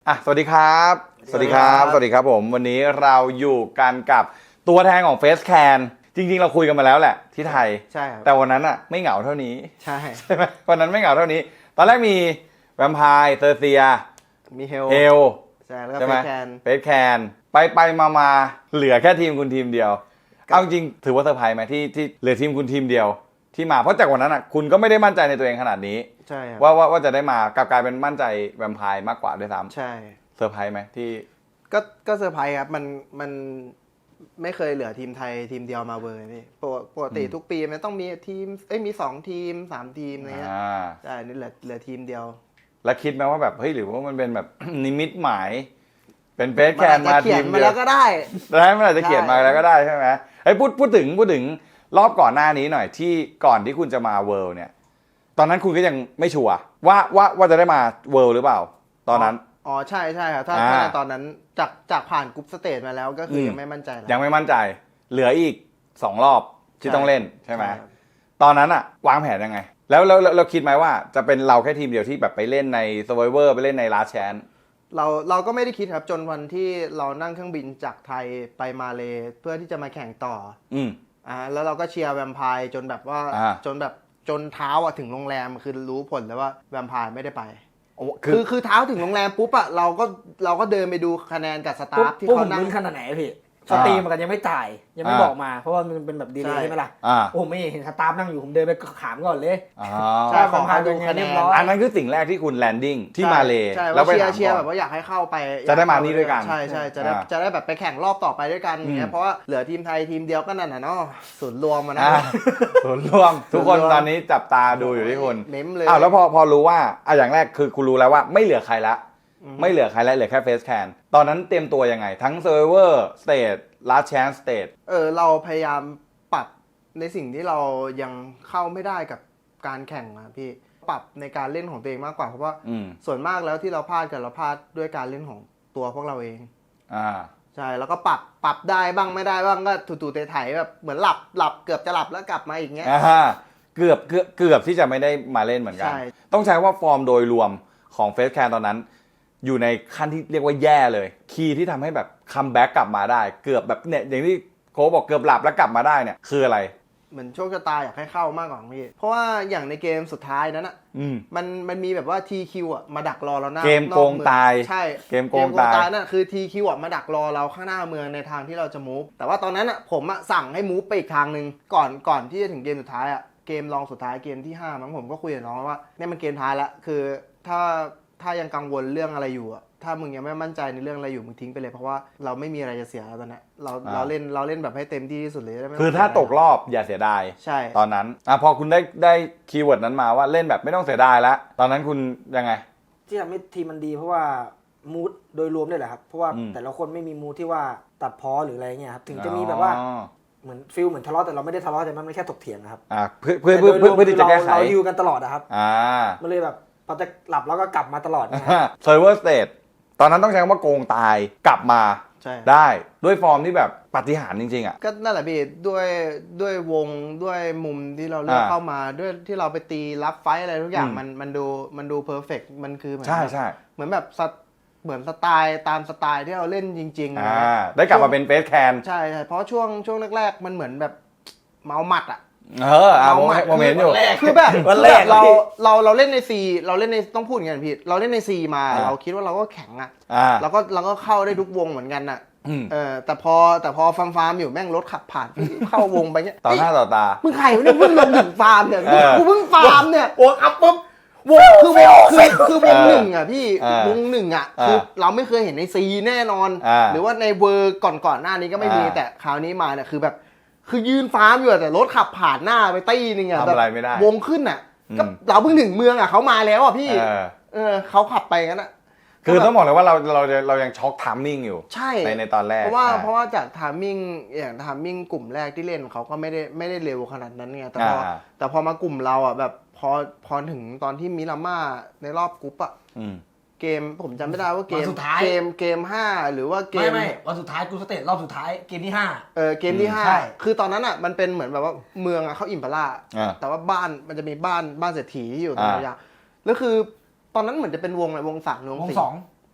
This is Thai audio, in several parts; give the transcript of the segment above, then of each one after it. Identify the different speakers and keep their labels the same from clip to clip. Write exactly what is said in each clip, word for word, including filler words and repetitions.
Speaker 1: อ่ะสวัสดีครับสวัสดีครับสวัสดีครับผมวันนี้เราอยู่กันกับตัวแทนของเฟสแคนจริงๆเราคุยกันมาแล้วแหละที่ไทย
Speaker 2: ใช่ครับ
Speaker 1: แต่วันนั้นอ่ะไม่เหงาเท่านี้
Speaker 2: ใช่
Speaker 1: ใช่ไหมวันนั้นไม่เหงาเท่านี้ ตอนแรกมีแวมไพร์เซอร์เซีย
Speaker 2: มีเฮล
Speaker 1: เฮล
Speaker 2: ใช่แล้วก็เฟสแคน
Speaker 1: เฟสแคนไปไปมามาเหลือแค่ทีมคุณทีมเดียวเอาจริงถือว่าเซอร์ไพรส์ไหมที่ที่เหลือทีมคุณทีมเดียวที่มาเพราะจากวันนั้นอ่ะคุณก็ไม่ได้มั่นใจในตัวเองขนาดนี้
Speaker 2: ใช่ครับ
Speaker 1: ว่าว่าว่าจะได้มากลับกลายเป็นมั่นใจแวมไพร์มากกว่าด้วยซ้ำ
Speaker 2: ใช่
Speaker 1: เซอร์ไพรส์ไหมที่
Speaker 2: ก็ก็เซอร์ไพรส์ครับมันมันไม่เคยเหลือทีมไทยทีมเดียวมาเวอร์นี่ปกติทุกปีมันต้องมีทีมเอ้ยมีสองทีมสามทีมอะไรเงี้ยใช่นี่เหลือเหลือทีมเดียว
Speaker 1: แล้วคิดไหมว่าแบบเฮ้ยหรือว่ามันเป็นแบบ นิมิตหมายเป็นเฟสแคนมาทีมเดียว
Speaker 2: มาแล้วก็ได้
Speaker 1: ได้มันอาจจะเขียนมาแล้วก็ได้ใช่ไหมไอ้พูดพูดถึงพูดถึงรอบก่อนหน้านี้หน่อยที่ก่อนที่คุณจะมาเวิลด์เนี่ยตอนนั้นคุณก็ยังไม่ชัวร์ว่าว่าว่าจะได้มาเวิลด์หรือเปล่าตอนนั้น
Speaker 2: อ๋อใช่ใช่ครับถ้าถ้าในตอนนั้นจากจากผ่านกรุ๊ปสเตจมาแล้วก็คือยังไม่มั่นใจ
Speaker 1: ยังไม่มั่นใจเหลืออีกสองรอบที่ต้องเล่นใช่ไหมตอนนั้นอะวางแผนยังไงแล้วเราเราคิดไหมว่าจะเป็นเราแค่ทีมเดียวที่แบบไปเล่นใน Survivor ไปเล่นใน Last Chance
Speaker 2: เราเราก็ไม่ได้คิดครับจนวันที่เรานั่งเครื่องบินจากไทยไปมาเลเพื่อที่จะมาแข่งต่อ
Speaker 1: อืม
Speaker 2: อ่าแล้วเราก็เชียร์แวมไพร์จนแบบว่าจนแบบจนเท้าอะถึงโรงแรมคือรู้ผลแล้วว่าแวมไพร์ไม่ได้ไปคือคือเท้าถึงโรงแรมปุ๊บอะเราก็เราก็เดินไปดูคะแนนกับสตาฟที่เขานั่ง
Speaker 3: ขนาดไหนพี่สตรีมกันยังไม่จ่ายยังไม่บอกมาเพราะว่ามันเป็นแบบดีเลยใช่ไหมล่ะโอ้ไม่เห็นสตาฟนั่งอยู่ผมเดินไปถามก่อนเลย
Speaker 2: ใช่ขอพาดูคะแนน
Speaker 1: อันนั้นคือสิ่งแรกที่คุณแลนดิ้งที่มาเล
Speaker 2: แล้วไปเชียร์แบบว่าอยากให้เข้าไป
Speaker 1: จะได้มานี่ด้วยกัน
Speaker 2: ใช่ใช่จะได้จะได้แบบไปแข่งรอบต่อไปด้วยกันอย่างเงี้ยเพราะว่าเหลือทีมไทยทีมเดียวก็นั่นน่ะเนาะศูนย์รวมมานะ
Speaker 1: ศูนย์รวมทุกคนตอนนี้จับตาดูอยู่ที่คุณ
Speaker 2: เม้มเลย
Speaker 1: อ้าวแล้วพอพอรู้ว่าอ่ะอย่างแรกคือคุณรู้แล้วว่าไม่เหลือใครละไม่เหลือใครแล้วเหลือแค่เฟสแคนตอนนั้นเตรียมตัวยังไงทั้ง Survivor Stage Last Chance Stage
Speaker 2: เออเราพยายามปรับในสิ่งที่เรายังเข้าไม่ได้กับการแข่งอะพี่ปรับในการเล่นของตัวเองมากกว่าเพราะว่าส่วนมากแล้วที่เราพลาดกันเราพลาดด้วยการเล่นของตัวพวกเราเอง
Speaker 1: อ่า
Speaker 2: ใช่แล้วก็ปรับปรับได้บ้างไม่ได้บ้างก็ถูๆไถๆแบบเหมือนหลับหลับเกือบจะหลับแล้วกลับมาอีกเงี้ย
Speaker 1: เกือบเกือบเกือบที่จะไม่ได้มาเล่นเหมือนกันต้องใช้ว่าฟอร์มโดยรวมของเฟสแคนตอนนั้นอยู่ในขั้นที่เรียกว่าแย่เลยคีย์ที่ทำให้แบบคัมแบ็กกลับมาได้เกือบแบบเนี่ยอย่างที่โค้ชบอกเกือบหลับแล้วกลับมาได้เนี่ยคืออะไร
Speaker 2: เหมือนโชคชะตาอยากให้เข้ามากกว่าพี่เพราะว่าอย่างในเกมสุดท้ายนั้นอ่ะมันมันมีแบบว่า ที คิว อ่ะมาดักรอเราหน้า
Speaker 1: เกมโกงตาย
Speaker 2: ใช่
Speaker 1: เกมโกงตาย
Speaker 2: นั่นคือ ที คิว อ่ะมาดักรอเราข้างหน้าเมืองในทางที่เราจะมูฟแต่ว่าตอนนั้นอ่ะผมอ่ะสั่งให้มูฟไปอีกทางนึงก่อนก่อนที่จะถึงเกมสุดท้ายอ่ะเกมรองสุดท้ายเกมที่ห้ามั้งผมก็คุยกับน้องว่าเนี่ยมันเกมท้ายละคือถ้าถ้ายังกังวลเรื่องอะไรอยู่อ่ะถ้ามึงยังไม่มั่นใจในเรื่องอะไรอยู่มึงทิ้งไปเลยเพราะว่าเราไม่มีอะไรจะเสียแล้วตอนนี้เราเราเล่นเราเล่นแบบให้เต็มที่ที่สุดเลย
Speaker 1: คือถ้าตกรอบอย่าเสียดาย
Speaker 2: ใช่
Speaker 1: ตอนนั้นอ่ะพอคุณได้ได้คีย์เวิร์ดนั้นมาว่าเล่นแบบไม่ต้องเสียดายแล้วตอนนั้นคุณยังไง
Speaker 3: ที่ทำให้ทีมมันดีเพราะว่ามูดโดยรวมด้วยแหละครับเพราะว่าแต่ละคนไม่มีมูดที่ว่าตัดพ้อหรืออะไรเงี้ยครับถึงจะมีแบบว่าเหมือนฟิลเหมือนทะเลาะแต่เราไม่ได้ทะเลาะแต่มันแค่ถกเถียงนะครับ
Speaker 1: อ่าเพื่อเพื่อเพื่อเพื่อที่จะแก้ไข
Speaker 3: เราอยู่กันตลอดนะครับ
Speaker 1: อ่า
Speaker 3: มันเลยแบบพอจะหลับแล้วก็กลับมาตลอดนะ
Speaker 1: เซิร์ฟเวอร์สเตทตอนนั้นต้องใช้คำว่าโกงตายกลับมาได้ด้วยฟอร์มที่แบบปาฏิหาริย์จริงๆอ่ะ
Speaker 2: ก็นั่นแหละพี่ด้วยด้วยวงด้วยมุมที่เราเลือกเข้ามาด้วยที่เราไปตีรับไฟอะไรทุกอย่างมันมันดูมันดูเพอร์เฟกต์มันคือเหมือน
Speaker 1: ใช่ใช่
Speaker 2: เหมือนแบบเหมือนสไตล์ตามสไตล์ที่เราเล่นจริง
Speaker 1: ๆอ่าได้กลับมาเป็นเฟสแคน
Speaker 2: ใช่ใช่เพราะช่วงช่วงแรกๆมันเหมือนแบบเมาหมัดอ่ะ
Speaker 1: เออเอาโมเมนต์อยู่
Speaker 2: คือแบบเราเราเราเล่นในซีเราเล่นในต้องพูดอย่างนี้พี่เราเล่นในซีมาเราคิดว่าเราก็แข็งอ่ะเราก็เราก็เข้าได้ทุกวงเหมือนกันอ่ะเออแต่พอแต่พอฟาร์มฟาร์มอยู่แม่งรถขับผ่านเข้าวงไปเงี้ย
Speaker 1: ต่อหน้าต่อตา
Speaker 2: มึงใครเนี่ยเพิ่งลงถึงฟาร์มเนี่ยกูเพิ่งฟาร์มเนี่ยวงอัพปุ๊บวงคือวงคือคือวงหนึ่งอ่ะพี่วงหนึ่งอ่ะคือเราไม่เคยเห็นในซีแน่นอนหรือว่าในเวอร์ก่อนก่อนหน้านี้ก็ไม่มีแต่คราวนี้มาเนี่ยคือแบบคือยืนฟาร์มอยู่แต่รถขับผ่านหน้าไปตี้นึงอ่ะ
Speaker 1: ทำอะไรไม่ได้
Speaker 2: วงขึ้นอ่ะก็เราเพิ่งถึงเมืองอ่ะเขามาแล้วอ่ะพี่เออเขาขับไปงั้นอ่ะ
Speaker 1: คือต้องบอกเลยว่าเราเราเรายังช็อกทามมิ่งอยู่
Speaker 2: ใช่
Speaker 1: ในในตอนแรก
Speaker 2: เพราะว่าเพราะว่าจากทามมิ่งอย่างทามมิ่งกลุ่มแรกที่เล่นเขาก็ไม่ได้ไม่ได้เร็วขนาดนั้นไงแต่พอแต่พอมากลุ่มเราอ่ะแบบพอพอถึงตอนที่มิราม่าในรอบกรุ๊ปอ่ะเกมผมจำไม่ได้ว่าเกมเกมเกมห้าหรือว่าเกม
Speaker 3: ไม่ไม่วันสุดท้ายกูสเตจรอบสุดท้ายเกมที่ห้า
Speaker 2: เออเกมที่ห้าคือตอนนั้นอ่ะมันเป็นเหมือนแบบว่าเมืองอ่ะเขาอิมพาร่าแต่ว่าบ้านมันจะมีบ้านบ้านเศรษฐีที่อยู่ตรงนี้แล้วคือตอนนั้นเหมือนจะเป็นวงอะไรวงสามวงสี่
Speaker 3: สอง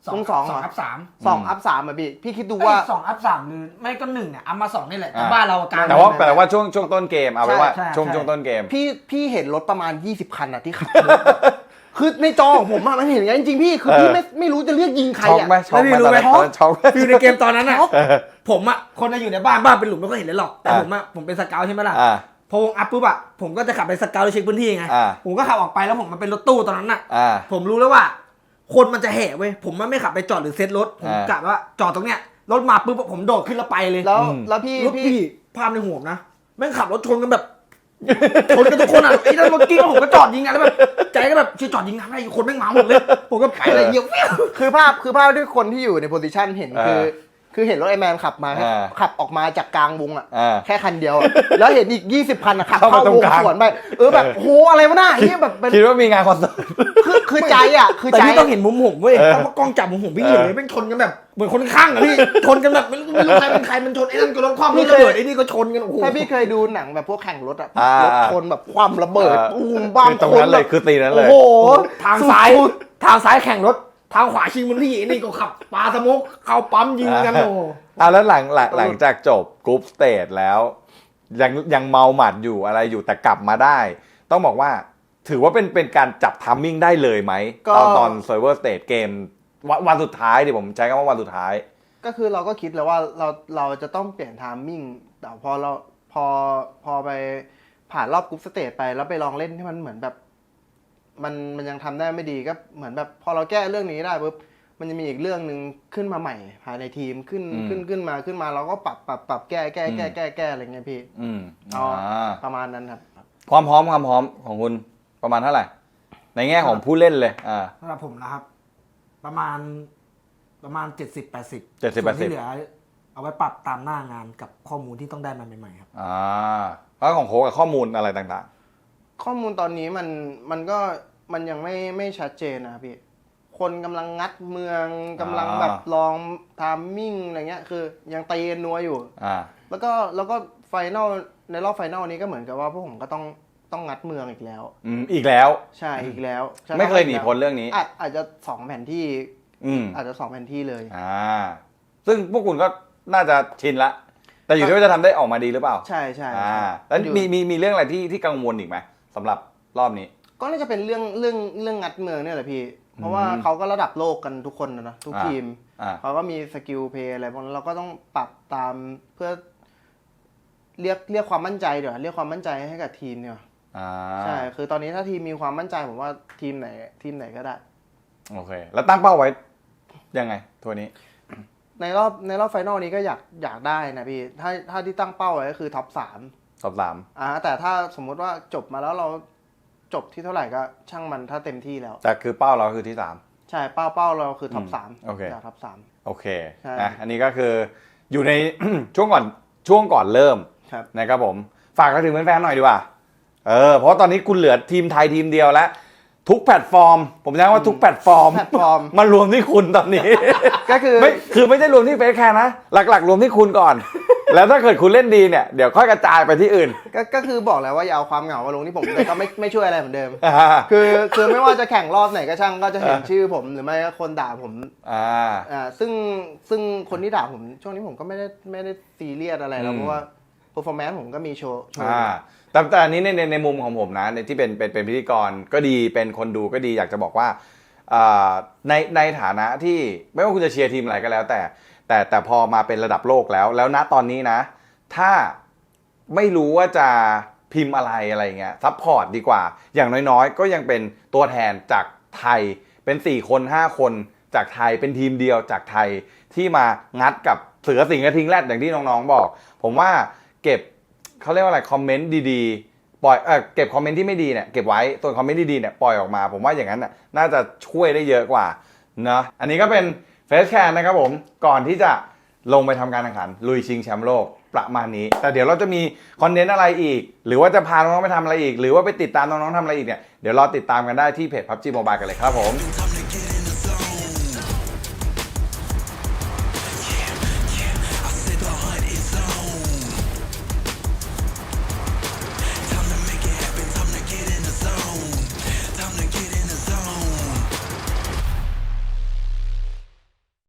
Speaker 3: สอง
Speaker 2: ลุงสอง
Speaker 3: สอง
Speaker 2: เหรอ
Speaker 3: อัพสาม
Speaker 2: สองอัพสามอ่ะพี่พี่คิดดู
Speaker 3: ว่า
Speaker 2: ว่า
Speaker 3: สองอัพสามหรือไม่ก็หนึ่งเนี่ยอัพมาสองนี่แหละแต่
Speaker 1: อ่า
Speaker 3: บ้านเรากลาง
Speaker 1: แต่ว่า
Speaker 2: ไม่ไม่
Speaker 1: แต่ว่าช่วงช่วงต้นเกมเอาไว้ว่า
Speaker 3: ใช่ใช่
Speaker 1: ช่วง
Speaker 3: ใช่
Speaker 1: ช่วงต้นเกม
Speaker 2: พี่พี่เห็นรถประมาณยี่สิบคันอ่ะที่ขับ คือในจอของผมอะมันเห็นอย่างนั้นจริงๆพี่คือ
Speaker 1: เออ
Speaker 2: พี่ไม่ไม่รู้จะเลือกยิงใคร
Speaker 1: ช็อก
Speaker 2: อ่ะ
Speaker 1: ไหมช็อกไหม
Speaker 3: แล้วพี่รู้ไหม
Speaker 1: ตอนนั้นช็อกไหม
Speaker 3: ฟิลในเกมตอนนั้นน่ะ
Speaker 2: ช็อก
Speaker 3: ผมอ่ะคนจะอยู่ในบ้านบ้านเป็นหลุมไม่ค่อยเห็นเลยหรอกแต่
Speaker 1: อ่า
Speaker 3: ผมอ่ะผมเป็นสเกาต์ใช่ไหมล่ะ
Speaker 1: อ่า
Speaker 3: พอวงอัพปุ๊บอ่ะผมก็จะขับไปสเกาต์เช็คพื้นที่ไง
Speaker 1: อ่า
Speaker 3: ผมก็ขับออกไปแล้วผมมันเป็นรถตู้ตอนนั้นน่ะ
Speaker 1: อ่า
Speaker 3: ผมรู้แล้วว่า คนมันจะแห่เว้ยผมมันไม่ขับไปจอดหรือเซ็ตรถผม
Speaker 1: อ่าก
Speaker 3: ะว่าจอดตรงเนี้ยรถมาปุ๊บผมโดดขึ้นแล้วไปเลย
Speaker 2: แล้ว
Speaker 1: อืม
Speaker 2: แล้วพี่
Speaker 3: รถ
Speaker 2: พี่
Speaker 3: พี่ภาพในหัวผมนะแม่งขับรถชนกันแบบ ชนกันทุกคนอ่ะไอ้นั่นรถกิ้งแล้วผมก็จอดยิงอ่ะแล้วแบบใจก็แบบช่วยจอดยิงทำไมคนแม่งมาหมดเลยผมก็ไปเลยเยี่ยว
Speaker 2: คือภาพคือภาพที่คนที่อยู่ในโพสิชันเห็นคือ
Speaker 1: เออ
Speaker 2: คือเห็นรถไอแมนขับมา
Speaker 1: เออ
Speaker 2: ขับออกมาจากกลางวงอ่ะ
Speaker 1: อ่า
Speaker 2: แค่คันเดียวอะแล้วเห็นอีกยี่สิบคันอะขับ
Speaker 1: เข้ามา
Speaker 2: เข้า
Speaker 1: ตรง
Speaker 2: วง
Speaker 1: กลาง
Speaker 2: สวนไปเออแบบโหอะไรวะหน้าเฮียแบบเป็น
Speaker 1: คิดว่ามีงานคอนเสิร์ต
Speaker 2: คือคือใจอ่ะคือ
Speaker 3: แต่
Speaker 2: ใจ
Speaker 3: พี่ต้องเห็นมุมผมเว้ย
Speaker 1: เออ
Speaker 3: เพราะกล้องจับมุมผมพี่เห็นเลยแม่งชนกันแบบเหมือนคนข้างอ่ะพี่ชนกันแบบไม่รู้ไม่รู้ใครเป็นใครมันชนไอ้นั่นก็รถคว่ำรถระเบิดไอ้นี่ก็ชนกันโอ้โห
Speaker 2: ถ้าพี่เคยดูหนังแบบพวกแข่งรถอ่ะ
Speaker 1: อ่าร
Speaker 2: ถชนแบบความระเบิด
Speaker 1: อ่า
Speaker 2: ตูมบ้าม
Speaker 1: คือตรง
Speaker 2: คน
Speaker 1: นั้นเล
Speaker 2: แบ
Speaker 1: ย
Speaker 2: บ
Speaker 1: คือตีนั้นเลย
Speaker 2: โอ้โห
Speaker 3: ทางซ้าย
Speaker 2: สุด
Speaker 3: ทางซ้ายแข่งรถทางขวาชิงพื้นที่ไอ้นี่ก็ขับปาสโมกเข้าปั๊มยิงกันโอ้โห
Speaker 1: อ่ะแล้วหลังหลังหลังจากจบกรุ๊ปสเตจแล้วยังยังเมาหมัดอยู่อะไรอยู่แต่กลับมาได้ ต้องบอกว่าถือว่าเป็นเป็นการจับทัมมิ่งได้เลยไหม
Speaker 2: ก็
Speaker 1: ตอนตอนเซิร์ฟเวอร์สเตจเกมวันวันสุดท้ายดิผมใช้คำว่าวันสุดท้าย
Speaker 2: ก็คือเราก็คิดแล้วว่าเราเราจะต้องเปลี่ยนไทามมิ่งแต่พอเราพอพอไปผ่านรอบกรุ๊ปสเตจไปแล้วไปลองเล่นที่มันเหมือนแบบ มันมันยังทำได้ไม่ดีก็เหมือนแบบพอเราแก้เรื่องนี้ได้ปุ๊บมันจะมีอีกเรื่องหนึ่งขึ้นมาใหม่ภายในทีมขึ้น
Speaker 1: อืม
Speaker 2: ขึ้นขึ้นมาขึ้นมาเราก็ปรับปรับปรับแก้แก้แก้แก้แก้อะไรเงี้ยพี่
Speaker 1: อืม
Speaker 2: อ๋อ
Speaker 1: อ่า
Speaker 2: ประมาณนั้นครับ
Speaker 1: ความพร้อมความพร้อมของคุณประมาณเท่าไหร่ ในแง่ของผู้เล่นเลยอ่า
Speaker 3: สำหรับผมนะครับ ประมาณประมาณเจ็ดสิบแปดสิบ
Speaker 1: เจ็ดสิบแปดสิบ
Speaker 3: ที่เหลือเอาไว้ปรับตามหน้างานกับข้อมูลที่ต้องได้มาใหม่ๆครับ
Speaker 1: อ่าแล้วของโค้กกับข้อมูลอะไรต่าง
Speaker 2: ข้อมูลตอนนี้มันมันก็มันยังไม่ไม่ชัดเจนนะพี่คนกำลังงัดเมืองกำลังแบบลองทามมิ่งอะไรเงี้ยคือยังตีกันนัวอยู่
Speaker 1: ๆอ่า
Speaker 2: แล้วก็แล้วก็ไฟนอลในรอบไฟนอลนี้ก็เหมือนกับว่าพวกผมก็ต้องต้องงัดเมืองอีกแล้ว
Speaker 1: อืมอีกแล้ว
Speaker 2: ใช่อีกแล้วใช่
Speaker 1: ไม่เคยหนีพ้นเรื่องนี้
Speaker 2: อาจอาจจะสองแผนที่
Speaker 1: อืม
Speaker 2: อาจจะสองแผนที่เลย
Speaker 1: อ่าซึ่งพวกคุณก็น่าจะชินละ แต่อยู่ที่ว่าจะทำได้ออกมาดีหรือเปล่า
Speaker 2: ใช่ใช่
Speaker 1: อ่า
Speaker 2: ใช่
Speaker 1: แล้ว
Speaker 2: อยู่
Speaker 1: มีมีมีเรื่องอะไรที่ที่กังวลอีกไหมสำหรับรอบนี้
Speaker 2: ก็น่าจะเป็นเรื่องเรื่องเรื่องงัดเมืองเนี่ยแหละพี่ เพราะว่า
Speaker 1: อืม
Speaker 2: เขาก็ระดับโลกกันทุกคนนะนะทุก
Speaker 1: อ่า
Speaker 2: ทีม
Speaker 1: อ่า
Speaker 2: เขาก็มีสกิลเพย์อะไรพวกนั้นเราก็ต้องปรับตามเพื่อ เรียกเรียกความมั่นใจเดี๋ยวาเรียกความมั่นใจให้กับทีมเนี่ย
Speaker 1: อ่า
Speaker 2: ใช่คือตอนนี้ถ้าทีมมีความมั่นใจผมว่าทีมไหนทีมไหนก็ได้
Speaker 1: โอเค แล้วตั้งเป้าไว้ยังไงทัวร์นี้
Speaker 2: ในรอบในรอบไฟนอลนี้ก็อยากอยากได้นะพี่ถ้าถ้าที่ตั้งเป้าไว้ก็คือท็อปสาม
Speaker 1: สอบสาม
Speaker 2: อ่าแต่ถ้าสมมุติว่าจบมาแล้วเราจบที่เท่าไหร่ก็ช่างมันถ้าเต็มที่แล้ว
Speaker 1: แต่คือเป้าเราคือที่สาม
Speaker 2: ใช่เป้าเป้าเราคือท็อป
Speaker 1: อืม
Speaker 2: สาม
Speaker 1: โอเค
Speaker 2: อยากท็อปสาม
Speaker 1: โอเค
Speaker 2: ใช่
Speaker 1: นะอันนี้ก็คืออยู่ใน ช่วงก่อนช่วงก่อนเริ่ม
Speaker 2: ครับ
Speaker 1: นะครับผมฝากกันถึงแฟนๆหน่อยดีกว่าเออเพราะตอนนี้คุณเหลือทีมไทยทีมเดียวแล้ว ทุกแพลตฟอร์ม ผมใช้คำว่าทุกแพลตฟอร์ม
Speaker 2: แพลตฟอร์ม
Speaker 1: มารวมที่คุณตอนนี้
Speaker 2: ก็คือ
Speaker 1: ไม่คือไม่ใช่รวมที่เฟซแคร์นะ หลักๆ รวมที่คุณก่อน แล้วถ้าเกิดคุณเล่นดีเนี่ยเดี๋ยวค่อยกระจายไปที่อื่น
Speaker 2: ก็ก็คือบอกแล้วว่าอย่าเอาความเหงามาลงที่ผมแต่ก็ไม่ไม่ช่วยอะไรเหมือนเดิม
Speaker 1: อ่า
Speaker 2: คือคือไม่ว่าจะแข่งรอบไหนก็ช่างก็จะเห็นชื่อผมหรือไม่ก็คนด่าผม
Speaker 1: อ่า
Speaker 2: อ่าซึ่งซึ่งคนที่ด่าผมช่วงนี้ผมก็ไม่ได้ไม่ได้ซีเรียสอะไรแล้ว
Speaker 1: อืม
Speaker 2: เพราะว่า performance ผมก็มีโชว์โชว์
Speaker 1: อ่าแต่แต่อันนี้ในในในมุมของผมนะในที่เป็นเป็นเป็นพิธีกรก็ดีเป็นคนดูก็ดีอยากจะบอกว่าอ่าในในฐานะที่ไม่ว่าคุณจะเชียร์ทีมอะไรก็แล้ว แต่แต่แต่พอมาเป็นระดับโลกแล้ว แล้วณตอนนี้นะ ถ้าไม่รู้ว่าจะพิมพ์อะไรอะไรเงี้ยซัพพอร์ตดีกว่า อย่างน้อยๆ ก็ยังเป็นตัวแทนจากไทยเป็นสี่คนห้าคนจากไทยเป็นทีมเดียวจากไทยที่มางัดกับเสือสิงห์กระทิงแรดอย่างที่น้องๆบอก ผมว่าเก็บเขาเรียกว่าอะไรคอมเมนต์ดีๆปล่อยเออเก็บคอมเมนต์ที่ไม่ดีเนี่ยเก็บไว้ส่วนคอมเมนต์ดีๆเนี่ยปล่อยออกมา ผมว่าอย่างนั้นน่ะน่าจะช่วยได้เยอะกว่าเนาะอันนี้ก็เป็นเฟสแคนนะครับผมก่อนที่จะลงไปทำการแข่งขันลุยชิงแชมป์โลกประมาณนี้แต่เดี๋ยวเราจะมีคอนเทนต์อะไรอีกหรือว่าจะพาน้องๆไปทำอะไรอีกหรือว่าไปติดตามน้องๆทำอะไรอีกเนี่ยเดี๋ยวรอติดตามกันได้ที่เพจ พับจี Mobile กันเลยครับผม